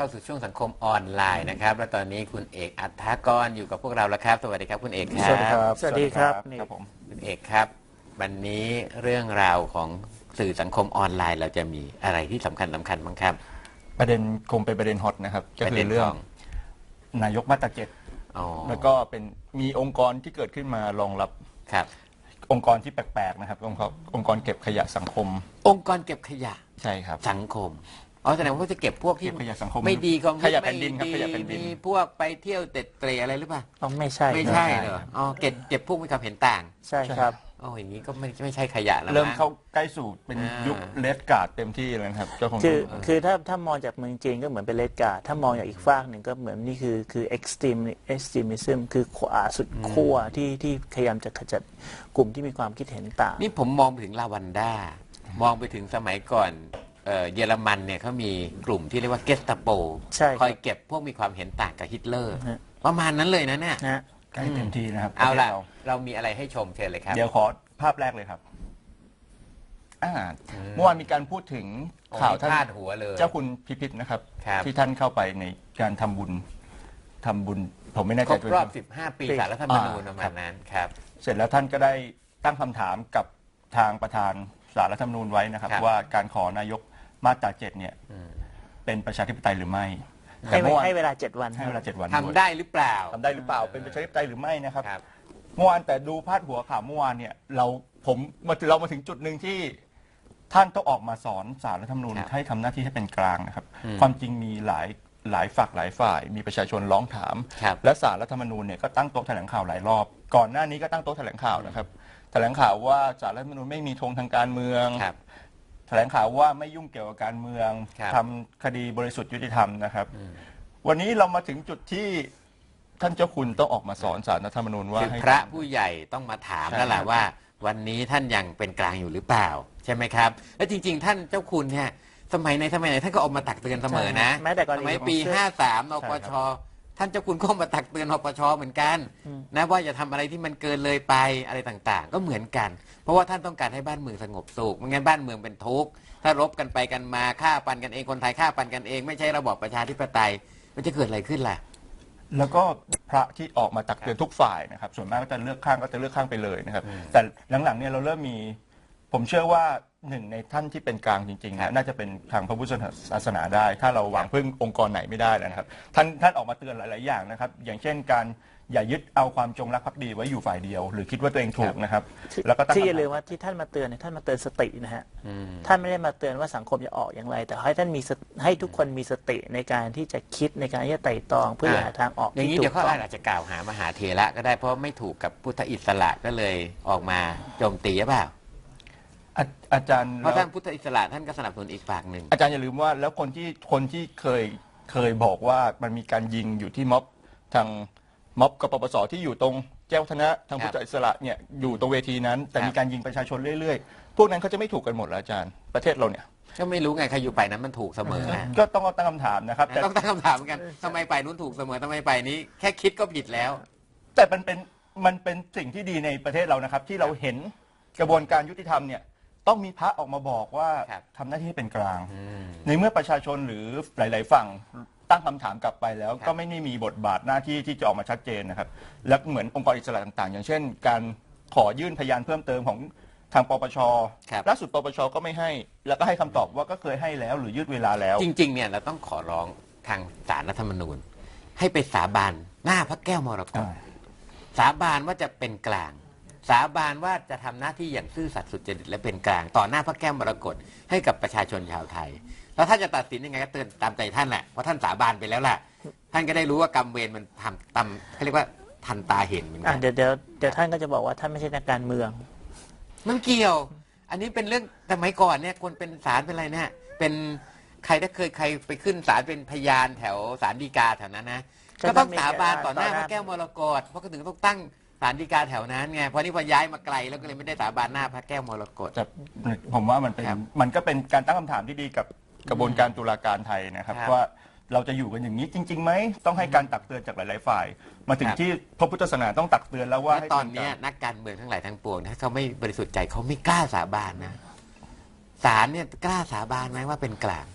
เข้าสู่ช่วงสังคมออนไลน์นะครับและตอนนี้คุณเอกอัฏฐกรอยู่กับพวกเราแล้วครับสวัสดีครับคุณเอกครับสวัสดีครับสวัสดีครับครับผมคุณเอกครับวันนี้เรื่องราวของสื่อสังคมออนไลน์เราจะมีอะไรที่สำคัญบ้างครับประเด็นคงเป็นประเด็นฮอตนะครับก็คือเรื่องนายกมาตราเจ็ดอ๋อแล้วก็เป็นมีองค์กรที่เกิดขึ้นมารองรับครับองค์กรที่แปลกๆนะครับองค์กรเก็บขยะสังคมองค์กรเก็บขยะใช่ครับสังคมอ๋อแสดงว่าเขาจะเก็บพวกที่เก็บขยะสังคมไม่ดีก็ขยะแผ่นดินครับขยะแผ่นดินมีพวกไปเที่ยวเตะเตะอะไรหรือเปล่าอ๋อไม่ใช่ไม่ใช่เหรออ๋อเก็บพวกมีความเห็นต่างใช่ครับอ๋ออย่างนี้ก็ไม่ใช่ขยะแล้วเริ่มมั้งเข้าใกล้สู่เป็นอ่ายุยุคเลดการ์ดเต็มที่เลยนะครับเจ้าของคือถ้ามองจากเมืองจีนก็เหมือนเป็นเลดการ์ดถ้ามองจากอีกฝากหนึ่งก็เหมือนนี่คือ extremism คือขวาสุดขั้วที่พยายามจะขจัดกลุ่มที่มีความคิดเห็นต่างนี่ผมมองไปถึงลาวันด้ามองไปถึงสมัยก่อนเยอรมันเนี่ยเขามีกลุ่มที่เรียกว่าเกสตาโปใช่ครับคอยเก็บพวกมีความเห็นต่างกับฮิตเลอร์ฮะประมาณนั้นเลยนะเนี่ยนะใกล้เต็มที่นะครับเอาล่ะประทศเรามีอะไรให้ชมเชิญเลยครับเดี๋ยวขอภาพแรกเลยครับเมื่อวานมีการพูดถึงข่าวท่าท่านนหัวเลยเจ้าคุณพิพิธนะครับครับที่ท่านเข้าไปในการทำบุญผมไม่แน่คใจรบรอบด้วย 15 ปีสารรัฐธรรมนูญประมาณนั้นครับเสร็จแล้วท่านก็ได้ตั้งคำถามกับทางประธานศาลรัฐธรรมนูญไว้นะครับครับว่าการขอนายกมาตรา7เนี่ยเป็นประชาธิปไตยหรือไม่ให้เมื่อวานให้เวลา 7 วันให้เวลา7 วันทำได้หรือเปล่าทำได้หรือเปล่าเป็นประชาธิปไตยหรือไม่นะครับครับเมื่อวานแต่ดูพาดหัวข่าวเมื่อวานเนี่ยเรามาถึงจุดหนึ่งที่ท่านต้องออกมาสอนศาลรัฐธรรมนูญครับให้ทำหน้าที่ให้เป็นกลางนะครับ ความจริงมีหลายฝักหลายฝ่าย มีประชาชนร้องถามครับและศาลรัฐธรรมนูญเนี่ยก็ตั้งโต๊ะแถลงข่าวหลายรอบ ก่อนหน้านี้ก็ตั้งโต๊ะแถลงข่าวนะครับ แถลงข่าวว่าศาลรัฐธรรมนูญไม่มีธงทางการเมืองครับแถลงข่าวว่าไม่ยุ่งเกี่ยวกับการเมืองครับทำคดีบริสุทธิ์ยุติธรรมนะครับ วันนี้เรามาถึงจุดที่ท่านเจ้าคุณต้องออกมาสอนศาลรัฐธรรมนูญว่าคือให้พระผู้ใหญ่ต้องมาถามใช่แล้วล่ะครับว่า วันนี้ท่านยังเป็นกลางอยู่หรือเปล่า ใช่ไหมครับ และจริง ๆ ท่านเจ้าคุณเนี่ยสมัยไหนท่านก็ออกมาตักเตือนเสมอนะแม้แต่กรณีสมัยปีของ 53นปชท่านเจ้าคุณก็มาตักเตือนนปชเหมือนกันนะว่าอย่าทำอะไรที่มันเกินเลยไปอะไรต่างๆ ก็เหมือนกัน เพราะว่าท่านต้องการให้บ้านเมืองสงบสุขไม่งั้นบ้านเมืองเป็นทุกข์ถ้ารบกันไปกันมาฆ่าปันกันเองคนไทยฆ่าปันกันเองไม่ใช่ระบอบประชาธิปไตยมันจะเกิดอะไรขึ้นล่ะแล้วก็พระที่ออกมาตักเตือนทุกฝ่ายนะครับ ส่วนมากก็จะเลือกข้างไปเลยนะครับ แต่หลังๆเนี่ยเราเริ่มมี ผมเชื่อว่าหนึ่งในท่านที่เป็นกลางจริงๆครับนะน่าจะเป็นทางพระพุทธศาสนาได้ ถ้าเราหวังพึ่งองค์กรไหนไม่ได้นะครับ ท่านออกมาเตือนหลายๆอย่างนะครับ อย่างเช่นการอย่ายึดเอาความจงรักภักดีไว้อยู่ฝ่ายเดียว หรือคิดว่าตัวเองถูกนะครับ แล้วก็ตั้งที่อย่าคำลืถามมว่าที่ท่านมาเตือนเนี่ยท่านมาเตือนสตินะฮะท่านไม่ได้มาเตือนว่าสังคมจะออกอย่างไร แต่ให้ท่านมีให้ทุกคนมีสติในการที่จะคิดในการที่จะไต่ตรองเพื่อหาทางออกอย่างที่นี้ถูเดี๋ยวกเขาต้องอาจจะกล่าวหามหาเถระก็ได้เพราะไม่ถูกกับพุทธอิสระก็เลยออกมาโจมตีหรือเปล่าอาจารย์เพราะท่านพุทธอิสระท่านก็สนับสนุนอีกฝั่งหนึ่งอาจารย์อย่าลืมว่าแล้วคนที่เคยบอกว่ามันมีการยิงอยู่ที่ม็อบทางม็อบกปปสที่อยู่ตรงแจ้วธนะทางพุทธอิสระเนี่ยอยู่ตรงเวทีนั้น แต่มีการยิงประชาชนเรื่อยๆ พวกนั้นเขาจะไม่ถูกกันหมดแล้วอาจารย์ประเทศเราเนี่ยก็ไม่รู้ไงใครอยู่ไปนั้นมันถูกเสมอนะก็ต้องตั้งคำถามนะครับ แต่ต้องตั้งคำถามเหมือนกันทำไมไปนู้นถูกเสมอทำไมไปนี้แค่คิดก็ผิดแล้วแต่มันเป็นสิ่งที่ดีในประเทศเรานะครับ ที่เราเห็นกระบวนการยุติธรรมเนี่ยต้องมีพระออกมาบอกว่าครับทำหน้าที่ให้เป็นกลาง ในเมื่อประชาชนหรือหลาย ๆ ฝั่งตั้งคำถามกลับไปแล้ว ก็ไม่ได้มีบทบาทหน้าที่ที่จะออกมาชัดเจนนะครับ และเหมือนองค์กรอิสระต่าง ๆ อย่างเช่น การขอยื่นพยานเพิ่มเติมของทางปปชครับล่าสุดปปชก็ไม่ให้ แล้วก็ให้คำตอบว่าก็เคยให้แล้วหรือยืดเวลาแล้วจริงๆเนี่ยเราต้องขอร้องทางศาลรัฐธรรมนูญ ให้ไปสาบานหน้าพระแก้วมรกตสาบานว่าจะเป็นกลาง สาบานว่าจะทำหน้าที่อย่างซื่อสัตย์สุจริตและเป็นกลาง ต่อหน้าพระแก้วมรกตให้กับประชาชนชาวไทย แล้วถ้าจะตัดสินยังไงก็เตือนตามใจท่านแหละเพราะท่านสาบานไปแล้วแหละท่านก็ได้รู้ว่ากรรมเวรมันทำตามเขาเรียกว่าทันตาเห็นเหมือนกัเดี๋ยวท่านก็จะบอกว่าท่านไม่ใช่นักการเมืองมันเกี่ยว อันนี้เป็นเรื่องสมัยก่อนเนี่ยคนเป็นศาลเป็นอะไรเนี่ยเป็นใครถ้าเคยใครไปขึ้นศาลเป็นพยานแถวศาลฎีกาแถวนั้นนะก็ก็ต้ต้ออง งมีสาบานต่อหน้าต่อหพน้าระแก้วมรกตเพราะก็ถึงต้องตั้งศาลฎีกาแถวนั้นไงเพราะนี่พอย้ายมาไกลแล้วก็เลยไม่ได้สาบานหน้าพระแก้วมรกตแต่ผมว่ามันเป็นครับมันก็เป็นการตั้งคำถามที่ดีกับกระบวนการตุลาการไทยนะครับครับว่าเราจะอยู่กันอย่างนี้จริงๆไหมต้องให้การตักเตือนจากหลายๆฝ่าย มาถึงครับที่พระพุทธศาสนาต้องตักเตือนแล้วว่าและให้ตอนเนี้ยนักการเมืองทั้งหลายทั้งปวงถ้าเขาไม่บริสุทธิ์ใจเขาไม่กล้าสาบานนะศาลเนี่ยกล้าสาบานไหมว่าเป็นกลาง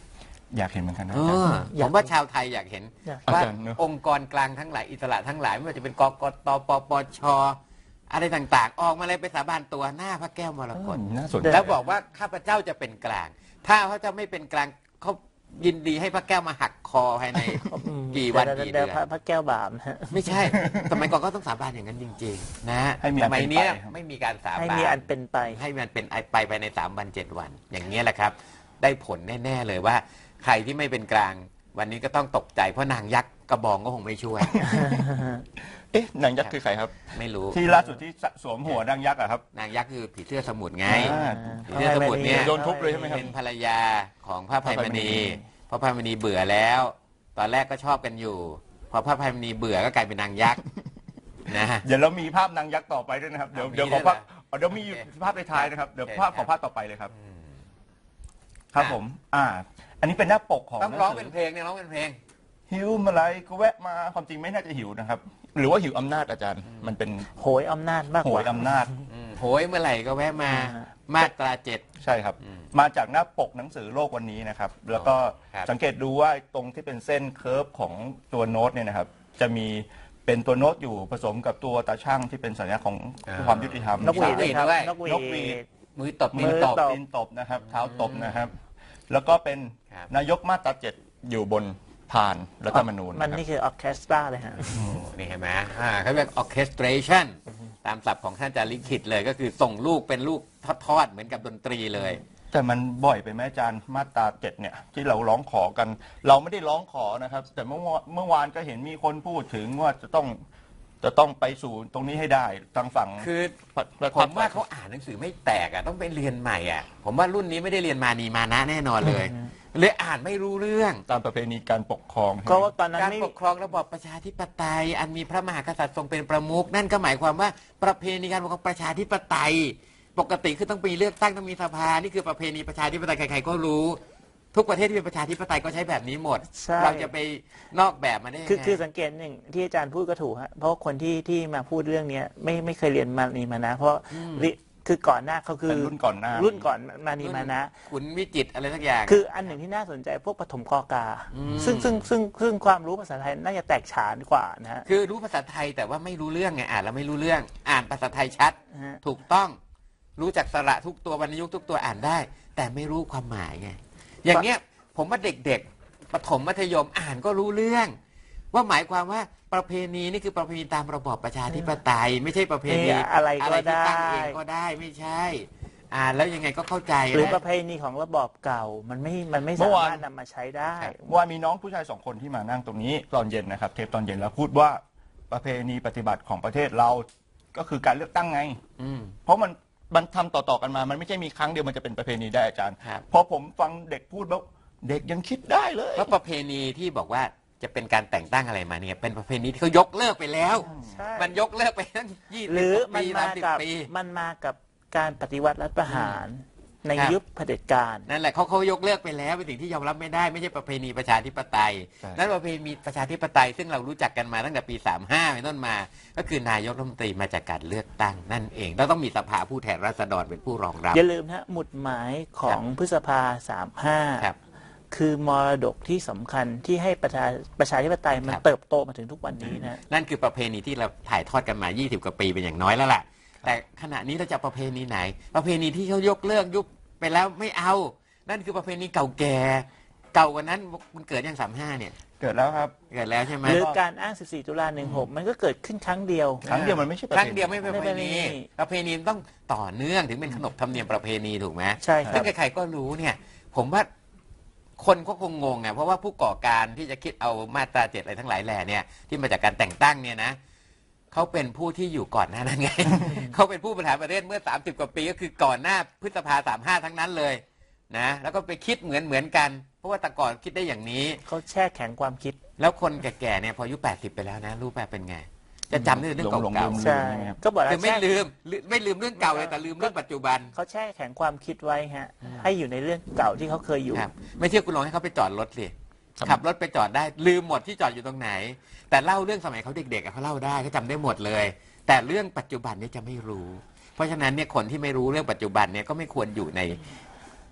อยากเห็นเหมือนกันนะเออผมว่าชาวไทยอยากเห็นอยากว่าอาจารย์เนอะองค์กรกลางทั้งหลายอิสระทั้งหลายไม่ว่าจะเป็นกกตปปชอะไรต่างๆ ออกมาเลยไปสาบานตัวหน้าพระแก้วมรกตน่าสนใจแล้วบอกว่าข้าพเจ้าจะเป็นกลาง ถ้าเขาจะไม่เป็นกลางเขายินดีให้พระแก้วมาหักคอภายในกี่วันกี่เดือนพระแก้วบาปนะฮะไม่ใช่สมัยก่อนก็ต้องสาบานอย่างนั้นจริงๆนะให้มีสอันมัยเป็นไปเนี้ยครับไม่มีการสาให้บามีนอันเป็นไปให้มันเป็นไปภายใน3 วัน 7 วัน อย่างนี้ยแหละครับ ได้ผลแน่ๆเลยว่า ใครที่ไม่เป็นกลาง วันนี้ก็ต้องตกใจเพราะนางยักษ์กระบองก็คงไม่ช่วยเอ๊ะนางยักษ์คือใครครับไม่รู้ที่ล่าสุดที่สวมหัวนางยักษ์อะครับนางยักษ์คือผีเสื้อสมุทรไงอ่าผีเสื้อสมุทรเนี่ยโดนทุบเลยใช่ไหมครับเป็นภรรยาของพระภัยมณีพระภัยมณีพระภัยมณีเบื่อแล้ว ตอนแรกก็ชอบกันอยู่ พอพระภัยมณีเบื่อก็กลายเป็นนางยักษ์ นะเดี๋ยวเรามีภาพนางยักษ์ต่อไปด้วยนะครับ เดี๋ยวมีเดี๋ยวขอด้วยภาพเหรอเดี๋ยวมีภาพในท้ายนะครับ เดี๋ยวโอเคภาพขอภาพต่อไปเลยครับ ครับผม อันนี้เป็นหน้าปกของต้องร้องเป็นเพลงเนี่ยร้องเป็นเพลงหิวมาไรก็แวะมาความจริงไม่น่าจะหิวนะครับ หรือว่าหิวอำนาจอาจารย์ มันเป็นโหยอำนาจมากโหกว่ายอำนาจโหยเมื่อไหร่ก็แวะมามาตรา7 ใช่ครับ มาจากหน้าปกหนังสือโลกวันนี้นะครับ แล้วก็ครับสังเกตดูว่าตรงที่เป็นเส้นเคิร์ฟของตัวโน้ตเนี่ยนะครับ จะมีเป็นตัวโน้ตอยู่ผสมกับตัวตาช่างที่เป็นสัญลักษณ์ของความยุติธรรมนกหวีดนกหวีดครับด้วยนกหวีนกหวีดดมือตบมืมืออตตบบ ตีนตบนะครับ เท้าตบนะครับ แล้วก็เป็นครับนายกมาตรา7อยู่บนพานรัฐธรรมนูญมันนะครับนี่คือออร์เคสตราเลยฮะนี่เห็นไหมเขาเรียก orchestration ตามศัพท์ของท่านอาจารย์ลิขิตเลยก็คือส่งลูกเป็นลูกทอดๆเหมือนกับดนตรีเลยแต่มันบ่อยไปไหมอาจารย์มาตรา7เนี่ยที่เราร้องขอกัน เราไม่ได้ร้องขอนะครับ แต่เมื่อวานก็เห็นมีคนพูดถึงว่าจะต้องไปสู่ตรงนี้ให้ได้ทางฝั่งคือผมว่าเขาอ่านหนังสือไม่แตกอ่ะต้องไปเรียนใหม่อ่ะผมว่ารุ่นนี้ไม่ได้เรียนมานีมานะแน่นอนเลยเลยอ่านไม่รู้เรื่องตามประเพณีการปกครองก็ว่าตอนนั้นการไม่ปกครองระบอบประชาธิปไตย อันมีพระมหากษัตริย์ทรงเป็นประมุขนั่นก็หมายความว่าประเพณีการปกครองประชาธิปไตย ปกติคือต้องมีเลือกตั้งต้องมีสภานี่คือประเพณีประชาธิปไตยใครๆก็รู้ ทุกประเทศที่เป็นประชาธิปไตยก็ใช้แบบนี้หมดใช่เราจะไปนอกแบบมาได้ยังไงคือสังเกตหนึ่งที่อาจารย์พูดก็ถูกฮะเพราะคนที่มาพูดเรื่องเนี้ยไม่เคยเรียนมานีมานะ เพราะคือก่อนหน้าเขาคือเป็นรุ่นก่อนหน้ารุ่นก่อนมานีมานะขุนวิจิตรอะไรสักอย่างคืออันหนึ่งที่น่าสนใจพวกปฐมกอกา ซึ่งความรู้ภาษาไทยน่าจะแตกฉานกว่านะฮะคือรู้ภาษาไทยแต่ว่าไม่รู้เรื่องไงอ่านแล้วไม่รู้เรื่อง อ่านภาษาไทยชัดฮะถูกต้องรู้จักสระทุกตัววรรณยุกต์ทุกตัวอ่านได้ แต่ไม่รู้ความหมายไงอย่างเงี้ยผมว่าเด็กๆประถมมัธยมอ่านก็รู้เรื่อง ว่าหมายความว่าประเพณีนี่คือประเพณีตามระบอบประชาธิปไตย ไม่ใช่ประเพณีอะไรก็ที่ตั้งเองได้ก็ได้ไม่ใช่ อ่านแล้วยังไงก็เข้าใจหรือนะประเพณีของระบอบเก่ามันไม่เมื่สาอวานมารถนำมาใช้ได้ว่ามีน้องผู้ชาย2 คนที่มานั่งตรงนี้ตอนเย็นนะครับ เทปตอนเย็นแล้วพูดว่าประเพณีปฏิบัติของประเทศเราก็คือการเลือกตั้งไงอืมเพราะมันทำต่อๆกันมา มันไม่ใช่มีครั้งเดียวมันจะเป็นประเพณีได้อาจารย์ครับพอผมฟังเด็กพูดแล้วเด็กยังคิดได้เลยเพราะประเพณีที่บอกว่าจะเป็นการแต่งตั้งอะไรมาเนี่ยเป็นประเพณีที่เขายกเลิกไปแล้วใช่มันยกเลิกไปตั้ง20 หรือปีมันมากับ 30 ปีมันมากับการปฏิวัติรัฐประหารในครับยุคเผด็จการนั่นแหละเขายกเลิกไปแล้วเป็นสิ่งที่ยอมรับไม่ได้ไม่ใช่ประเพณีประชาธิปไตยใช่นั่นประเพณีประชาธิปไตยซึ่งเรารู้จักกันมาตั้งแต่ปี 35เป็นต้นมา ก็คือนายกรัฐมนตรีมาจากการเลือกตั้งนั่นเองแล้วต้องมีสภาผู้แทนราษฎรเป็นผู้รองรับอย่าลืมนะหมุดหมายของพฤษภาครับ 35 คือมรดกที่สำคัญที่ให้ประชาธิปไตยมันครับเติบโตมาถึงทุกวันนี้นะนั่นคือประเพณีที่เราถ่ายทอดกันมา 20 กว่าปีเป็นอย่างน้อยแล้วล่ะ แต่ขณะนี้เราจะประเพณีไหน ประเพณีที่เขายกเลิกยุบไปแล้วไม่เอา นั่นคือประเพณีเก่าแก่ เก่ากว่านั้นมันเกิดยัง35เนี่ยเกิดแล้วครับเกิดแล้วใช่ไหมหรือการอ้าง 14 ตุลา 16 มันก็เกิดขึ้นครั้งเดียวครั้งเดียวมันไม่ใช่ประคเพรั้งณีเดียวไม่เป็นประเพณีไม่เป็นประเพณีประเพณีมันต้องต่อเนื่องถึงเป็นขนบธรรมเนียมประเพณีถูกไหมใช่คซึ่รับงใครๆก็รู้เนี่ย ผมว่าคนก็คงงงไงเพราะว่าผู้ก่อการที่จะคิดเอามาตรา7อะไรทั้งหลายแหล่เนี่ยที่มาจากการแต่งตั้งเนี่ยนะเขาเป็นผู้ที่อยู่ก่อนหน้านั้นไง เขาเป็นผู้บริหารประเทศเมื่อ30 กว่าปีก็คือก่อนหน้าพฤษภา35ทั้งนั้นเลยนะแล้วก็ไปคิดเหมือนกัน เพราะว่าแต่ก่อนคิดได้อย่างนี้เขาแช่แข็งความคิดแล้วคนแก่ๆเนี่ยพออายุ80ไปแล้วนะรู้แบบเป็นไง จะจำได้แต่เรื่องหลงๆเก่าลืมใช่ ก็บอกๆแล้คือวไม่แช่ลืมเรื่องเก่าเลยแต่ลืมเรื่องปัจจุบันเขาแช่แข็งความคิดไว้ฮะ ให้อยู่ในเรื่องเก่าที่เขาเคยอยู่ครับไม่เชื่อคุณลองให้เขาไปจอดรถสิขับรถไปจอดได้ลืมหมดที่จอดอยู่ตรงไหน แต่เล่าเรื่องสมัยเขาเด็กๆอะเขาเล่าได้เขาจำได้หมดเลย แต่เรื่องปัจจุบันเนี่ยจะไม่รู้ เพราะฉะนั้นเนี่ยคนที่ไม่รู้เรื่องปัจจุบันเนี่ยก็ไม่ควรอยู่ใน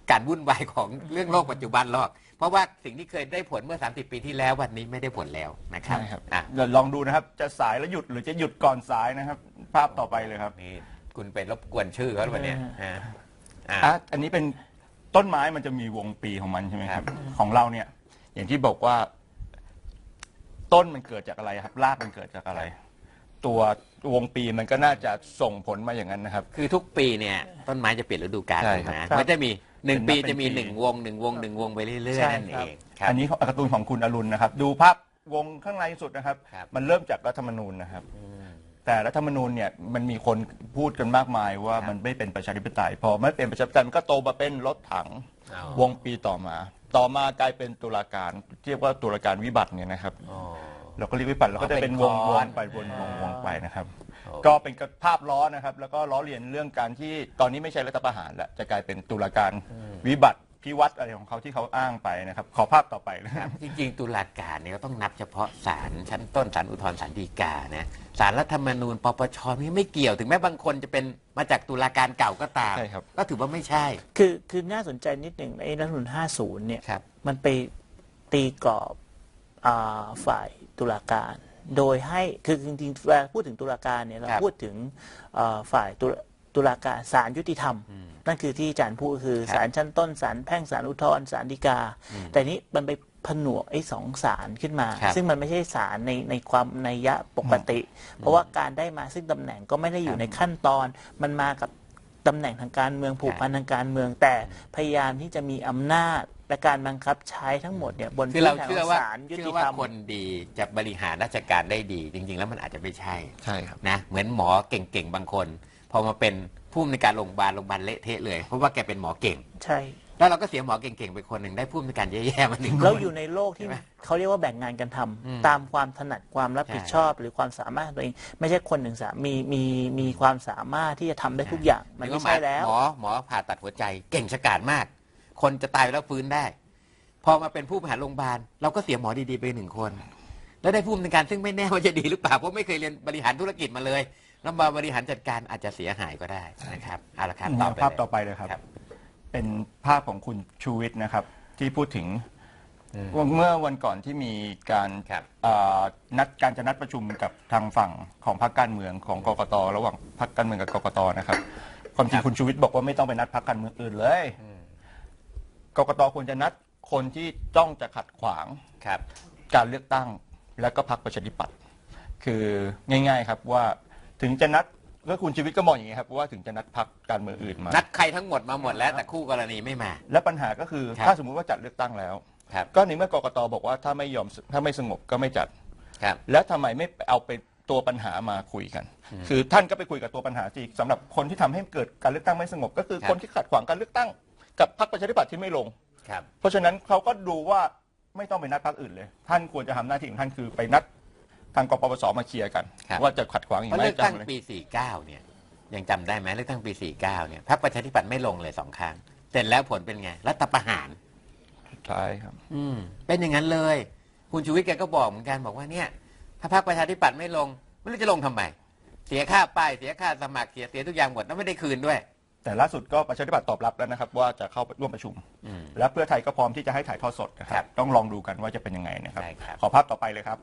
การวุ่นวายของเรื่องโลกปัจจุบันหรอกเพราะว่าสิ่งที่เคยได้ผลเมื่อ30 ปีที่แล้ววันนี้ไม่ได้ผลแล้วนะครับใช่ครับอ่ะเดี๋ยวลองดูนะครับ จะสายแล้วหยุดหรือจะหยุดก่อนสายนะครับ ภาพต่อไปเลยครับนี่คุณไปรบกวนชื่อเขาหรือเปล่าเนี่ยอันนี้เป็นต้นไม้มันจะมีวงปีของมันใช่ไหมครับครับของเราเนี่ย อย่างที่บอกว่าต้นมันเกิดจากอะไรครับรากมันเกิดจากอะไร ตัววงปีมันก็น่าจะส่งผลมาอย่างนั้นนะครับคือทุกปีเนี่ยต้นไม้จะเปลี่ยนฤดูกาลใช่ถูกครับไหมครับมันจะมี1 ปีเป็นจะมีปี 1 วงไปเรื่อยใช่ๆนั่นคเอรับงครับอันนี้การ์ตูนของคุณอรุณนะครับ ดูภาพวงข้างในสุดนะครับครับมันเริ่มจากรัฐธรรมนูญนะครับ แต่รัฐธรรมนูญเนี่ยมันมีคนพูดกันมากมายว่าครับมันไม่เป็นประชาธิปไตยพอไม่เป็นประชาธิปไตยมันก็โตมาเป็นรถถังอ๋อวงปีต่อมากลายเป็นตุลาการเรียกว่าตุลาการวิบัติเนี่ยนะครับอ๋อเราก็เรียกวิบัติเราก็จะเป็นวงเป็นวค้อนงไปวงไปนะครับโอ้ก็เป็นภาพล้อนะครับ แล้วก็ล้อเลียนเรื่องการที่ตอนนี้ไม่ใช่รัฐประหารแล้วจะกลายเป็นตุลาการวิบัติพิวัตรอะไรของเขาที่เขาอ้างไปนะครับ ขอภาพต่อไปเลยจริงๆตุลาการเนี่ยก็ต้องนับเฉพาะศาลชั้นต้นศาลอุทธรณ์ศาลฎีกานะศาลรัฐธรรมนูญปปชนี่ไม่เกี่ยวถึงแม้บางคนจะเป็นมาจากตุลาการเก่าก็ตามใช่ครับก็ถือว่าไม่ใช่คือน่าสนใจนิดหนึ่งไอ้รัฐธรรมนูญ50 เนี่ยครับมันไปตีกรอบฝ่ายตุลาการ โดยให้คือจริงๆเวลาพูดถึงตุลาการเนี่ยเราครับพูดถึงฝ่ายตุลาการศาลยุติธรรม นั่นคือที่อาจารย์พูดคือครับศาลชั้นต้นศาลแพ่งศาลอุทธรณ์ศาลฎีกา แต่นี้มันไปผนวกไอ้สองศาลขึ้นมาครับซึ่งมันไม่ใช่ศาลในความนัยยะปกติ เพราะว่าการได้มาซึ่งตำแหน่งก็ไม่ได้อยู่ในขั้นตอน มันมากับตำแหน่งทางการเมืองผูกพันทางการเมือง แต่พยายามที่จะมีอำนาจและการบังคับใช้ทั้งหมดเนี่ยบนคือพื้นเราฐานขเชื่อองว่าศาลยุเชื่ติอธว่ารรมคนดีจะบริหารราชการได้ดี จริง ๆ แล้วมันอาจจะไม่ใช่ใช่ครับนะเหมือนหมอเก่งๆบางคน พอมาเป็นผู้อำนวยการโรงพยาบาลเละเทะเลย เพราะว่าแกเป็นหมอเก่งใช่แล้วเราก็เสียหมอเก่งๆไปคนหนึ่งได้ผู้อำนวยการแย่ๆมาหนึ่งคนเราอยู่ในโลกที่ใช่ไหมเขาเรียกว่าแบ่งงานกันทำตามความถนัดความรับผิดชอบ หรือความสามารถของตัวเอง ไม่ใช่คนหนึ่งมีความสามารถที่จะทำได้ทุกอย่าง มันไม่ใช่แล้วหมอผ่าตัดหัวใจเก่งฉกาจมาก คนจะตายไปแล้วฟื้นได้ พอมาเป็นผู้บริหารโรงพยาบาลเราก็เสียหมอดีๆไป1 คน แล้วได้ผู้อำนวยการซึ่งไม่แน่ว่าจะดีหรือเปล่าเพราะไม่เคยเรียนบริหารธุรกิจมาเลยแล้วมาบริหารจัดการอาจจะเสียหายก็ได้นะครับเอาละครับภาพต่อไปเลยครับครับเป็นภาพของคุณชูวิทย์นะครับ ที่พูดถึงว่าเมื่อวันก่อนที่มีการครับจะนัดประชุมกับทางฝั่งของพรรคการเมืองของกกตระหว่างพรรคการเมืองกับกกตนะครับ ความจริงคุณชูวิทย์บอกว่าไม่ต้องไปนัดพรรคการเมืองอื่นเลยกกตควรจะนัดคนที่จ้องจะขัดขวางครับการเลือกตั้งและก็พรรคประชาธิปัตย์คือง่าย ๆ ครับว่าถึงจะนัดก็คุณชีวิตก็มองอย่างนี้ครับว่าถึงจะนัดพรรคการเมืองอื่นมานัดใครทั้งหมดมาหมดแล้วแต่คู่กรณีไม่มาและปัญหาก็คือครับถ้าสมมุติว่าจัดเลือกตั้งแล้วครับก็ในเมื่อกกตบอกว่าถ้าไม่สงบก็ไม่จัดครับแล้วทำไมไม่เอาไปตัวปัญหามาคุยกัน คือท่านก็ไปคุยกับตัวปัญหาสิสำหรับคนที่ทำให้เกิดการเลือกตั้งไม่สงบ ก็คือครับคนที่ขัดขวางการเลือกตั้งกับพรรคประชาธิปัตย์ที่ไม่ลงครับเพราะฉะนั้นเขาก็ดูว่าไม่ต้องไปนัดพรรคอื่นเลย ท่านควรจะทำหน้าที่ของท่านคือไปนัดทางกปปสมาเคลียร์กันครับว่าจะขัดขวางอีเพกราะไหมเลือกตั้งจำเลยปี 49 เนี่ยยังจำได้ไหมเลือกตั้งปี 49 เนี่ยพรรคประชาธิปัตย์ไม่ลงเลย2 ครั้งเสร็จแล้วผลเป็นไงรัฐประหารใช่ครับเป็นอย่างนั้นเลย คุณชูวิทย์แกก็บอกเหมือนกันบอกว่าเนี่ยถ้าพรรคประชาธิปัตย์ไม่ลงไม่รู้จะลงทำไมเสียค่าป้ายเสียค่าสมัครเสียทุกอย่างหมดแล้วไม่ได้คืนด้วยแต่ล่าสุดก็ประชาธิปัตย์ตอบรับแล้วนะครับว่าจะเข้าร่วมประชุม และเพื่อไทยก็พร้อมที่จะให้ถ่ายทอดสดนะคครัรับบต้องลองดูกันว่าจะเป็นยังไงนะครับได้ครับขอภาพต่อไปเลยครับ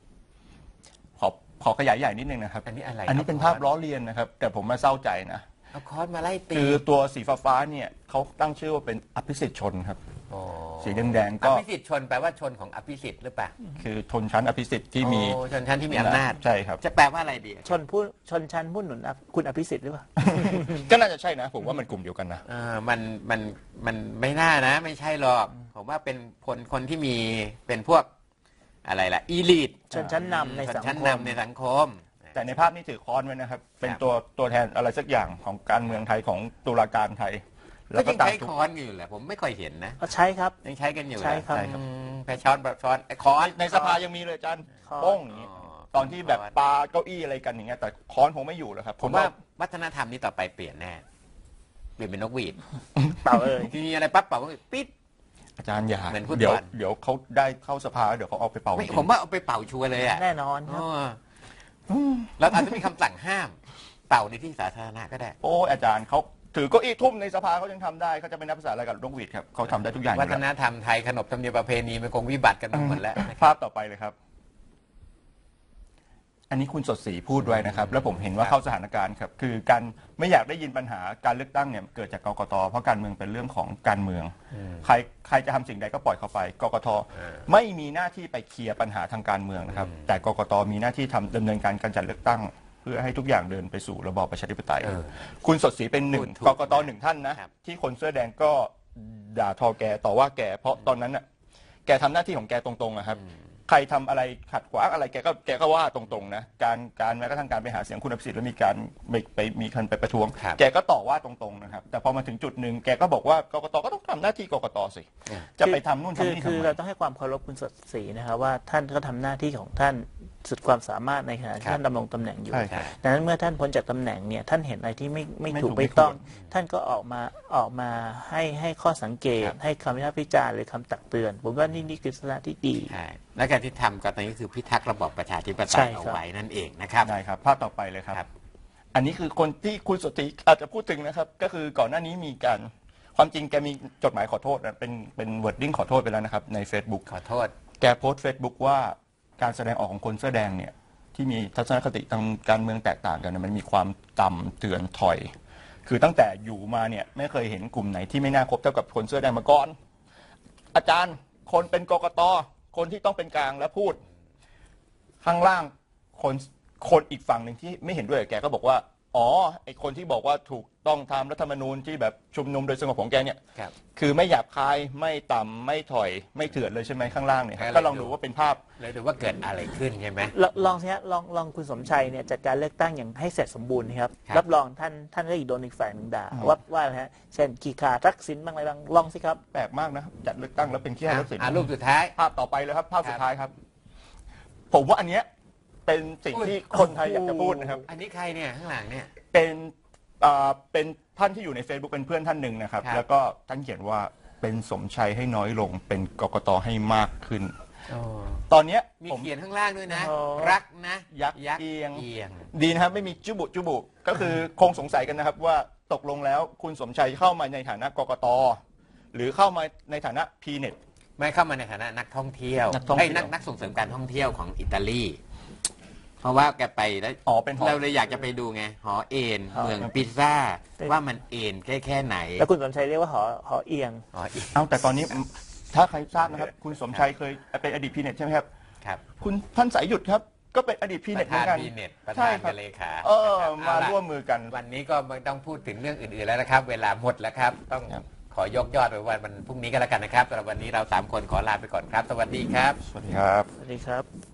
ขอขยายใหญ่นิดนึงนะครับอันนี้อะไรอันนี้เป็นภาพล้อเลียนนะครับ แต่ผมมาเศร้าใจนะเอาค้อนมาไล่ตีคือตัวสีฟ้าๆเนี่ยเขาตั้งชื่อว่าเป็นอภิสิทธิ์ชนครับโอ้สีแดงๆอก็ภิสิทธิ์ชนแปลว่าชนของอภิสิทธิ์หรือเปล่าคือชนชั้นอภิสิทธิ์ที่มีโอ้ชนชั้นที่มีอำนาจใช่ครับจะแปลว่าอะไรดีชนชั้นผู้หนุนคุณอภิสิทธิ์หรือเปล่าก็น่าจะใช่นะ ผมว่ามันกลุ่มเดียวกันนะมันไม่น่านะ ไม่ใช่หรอกผมว่าเป็นคนที่มีเป็นพวกอะไรล่ะอีลิทชนชั้นนำในชสันงชั้นคมนำในสังคมแต่ในภาพนี้ถือค้อนไว้นะครับ เป็นครับตัวแทนอะไรสักอย่างของการเมืองไทยของตุลาการไทยก็แล้วก็ยังตามใช้ค้อนอยู่แหละผมไม่ค่อยเห็นนะก็ใช้ครับยังใช้กันอยู่ใช่ครับแพ้ช้อนแบบช้อนค้อนในสภายังมีเลยอาจารย์ค้อนโป้งอย่างนี้ตอนที่แบบปาเก้าอี้อะไรกันอย่างเงี้ยแต่ค้อนคงไม่อยู่แล้วครับผมว่าวัฒนธรรมนี้ต่อไปเปลี่ยนแน่เปลี่ยนเป็นนกหวีดเปล่าเอ่ยมีอะไรปั๊บเป่าก็ปิดอาจารย์อย่าเหมือนฟุตบอลเดี๋ยวเขาได้เข้าสภาเดี๋ยวเขาเอาไปเป่าไม่จริงผมว่าเอาไปเป่าชัวร์เลยอ่ะแน่นอนครับแล้วอาจจะมีคำสั่งห้ามเป่าในที่สาธารณะก็ได้โอ้อาจารย์เขาถือเก้าอี้ทุ่มในสภาเขายังทำได้เขาจะเป็นนักภาษาอะไรกับนกหวีดครับเขาทำได้ทุกอย่างอยู่วัฒแล้วนธรรมไทยขนบธรรมเนียมประเพณีมันคงวิบัติกันไปหมดแล้วนะครับภาพต่อไปเลยครับ อันนี้คุณสดศรีพูดไว้นะครับ แล้วผมเห็นว่าเข้าสถานการณ์ครับ คือการไม่อยากได้ยินปัญหาการเลือกตั้งเนี่ยเกิดจากกกตเพราะการเมืองเป็นเรื่องของการเมือง ใครจะทำสิ่งใดก็ปล่อยเขาไปกกตไม่มีหน้าที่ไปเคลียร์ปัญหาทางการเมืองนะครับ แต่กกตมีหน้าที่ดำเนินการจัดเลือกตั้ง เพื่อให้ทุกอย่างเดินไปสู่ระบอบประชาธิปไตย คุณสดศรีเป็นหนึ่งถูกกกตหนึ่งท่านนะ ที่คนเสื้อแดงก็ด่าทอแกต่อว่าแกเพราะตอนนั้นน่ะแกทำหน้าที่ของแกตรงๆนะครับ ใครทำอะไรขัดขวางอะไรแกก็ว่าตรงๆนะการแม้กระทั่งการไปหาเสียงคุณอภิสิทธิ์แล้วมีการมีคนไปประท้วง แกก็ต่อว่าตรงๆนะครับแต่พอมาถึงจุดหนึ่งแกก็บอกว่ากกตก็ต้องทำหน้าที่กกตสิจะไปทำนู่นทำนี่ทำคือไมเราต้องให้ความเคารพคุณสดศรีนะครับว่าท่านก็ทำหน้าที่ของท่านสุดความสามารถในขณะที่ท่านดำรงตำแหน่งอยู่ใช่ครับดังนั้นเมื่อท่านพ้นจากตำแหน่งเนี่ยท่านเห็นอะไรที่ไม่ไม่ถูกถูกไม่ต้องไม่ควรท่านก็ออกมาให้ข้อสังเกต ให้คำวิพากษ์วิจารณ์หรือคำตักเตือน ผมว่านี่คือลักษณะที่ดีใช่และการที่ทำก็ตอนนี้คือพิทักษ์ระบอบประชาธิปไตใช่ยครับเอาไว้นั่นเองนะครับได้ครับภาพต่อไปเลยครับครับอันนี้คือคนที่คุณสดศรีอาจจะพูดถึงนะครับ ก็คือก่อนหน้านี้มีการความจริงแกมีจดหมายขอโทษนะเป็นวอร์ดดิ้งขอโทษไปแล้วนะครับใน Facebook ขอโทษแกโพสต์ Facebook ว่าการแสดงออกของคนเสื้อแดงเนี่ยที่มีทัศนคติทางการเมืองแตกต่างกันเนยมันมีความต่ำเตือนถอย คือตั้งแต่อยู่มาเนี่ยไม่เคยเห็นกลุ่มไหนที่ไม่น่าคบเท่ากับคนเสื้อแดงมาก่อน อาจารย์คนเป็นกกตคนที่ต้องเป็นกลางและพูด ข้างล่างคนอีกฝั่งหนึ่งที่ไม่เห็นด้วยกับแกก็บอกว่าอ๋อไอคนที่บอกว่าถูกต้องตามรัฐธรรมนูญที่แบบชุมนุมโดยสงบของแกเนี่ยครับคือไม่หยาบคายไม่ต่ำไม่ถอยไม่เถื่อนเลยใช่ไหมข้างล่างเนี่ยครับให้ก็เราลองดูดูว่าเป็นภาพเลยดูว่าเกิดอะไรขึ้นใช่ไหมลองสิฮะลองคุณสมชัยเนี่ยจัดการเลือกตั้งอย่างให้เสร็จสมบูรณ์นะครับครับรับรองท่านก็อีกโดนอีกฝ่ายหนึ่งด่าอืมว่าอะไรฮะเช่นขี้ขาทักษิณบ้างอะไรบ้างลองสิครับแปลกมากนะจัดเลือกตั้งแล้วเป็นขี้ให้รถสินรูปสุดท้ายภาพต่อไปเลยครับ ภาพสุดท้ายครับ ผมว่าอันเนี้ยเป็นสิ่งที่คนไทยอยากจะพูดนะครับอันนี้ใครเนี่ยข้างหลังเนี่ยเป็นท่านที่อยู่ใน Facebook เป็นเพื่อนท่านหนึ่งนะครับครับแล้วก็ท่านเขียนว่าเป็นสมชัยให้น้อยลง เป็นกกตให้มากขึ้น ตอนเนี้ยมีผมเขียนข้างล่างด้วยนะอ๋อรักนะยักษ์เอียงเอียงดีนะครับไม่มีจุบุก็คือคงสงสัยกันนะครับว่าตกลงแล้วคุณสมชัยเข้ามาในฐานะกกตหรือเข้ามาในฐานะพีเน็ตไม่เข้ามาในฐานะนักท่องเที่ยวนักท่องเที่ยวนักส่งเสริมการท่องเที่ยวของอิตาลี เพราะว่าแกไปแล้วอ๋อเป็นหอเราเลยอยากจะไปดูไงหอเอ็นหอเมืองปิซซ่าเป็นว่ามันเอ็นแค่ไหนแล้วคุณสมชัยเรียกว่าหอเอียงหอเอ็นเอาแต่ตอนนี้ถ้าใครทราบนะครับ คุณสมชัยเคยเป็นอดีตพีเน็ตใช่ไหมครับครับคุณท่านสายหยุดครับ ก็เป็นอดีตพีปเน็ตระเหมืธาอน นกันบีเน็ตประใช่ธานครักับ เลขาเออนะครับมาเอล่ะร่วมมือกันวันนี้ก็ไม่ต้องพูดถึงเรื่องอื่นๆแล้วนะครับ เวลาหมดแล้วครับ ต้องครับขอยกยอดไปวันพรุ่งนี้ก็แล้วกันนะครับสำหรับวันนี้เรา3 คนขอลาไปก่อนครับ สวัสดีครับสวัสดีครับสวัสดีครับ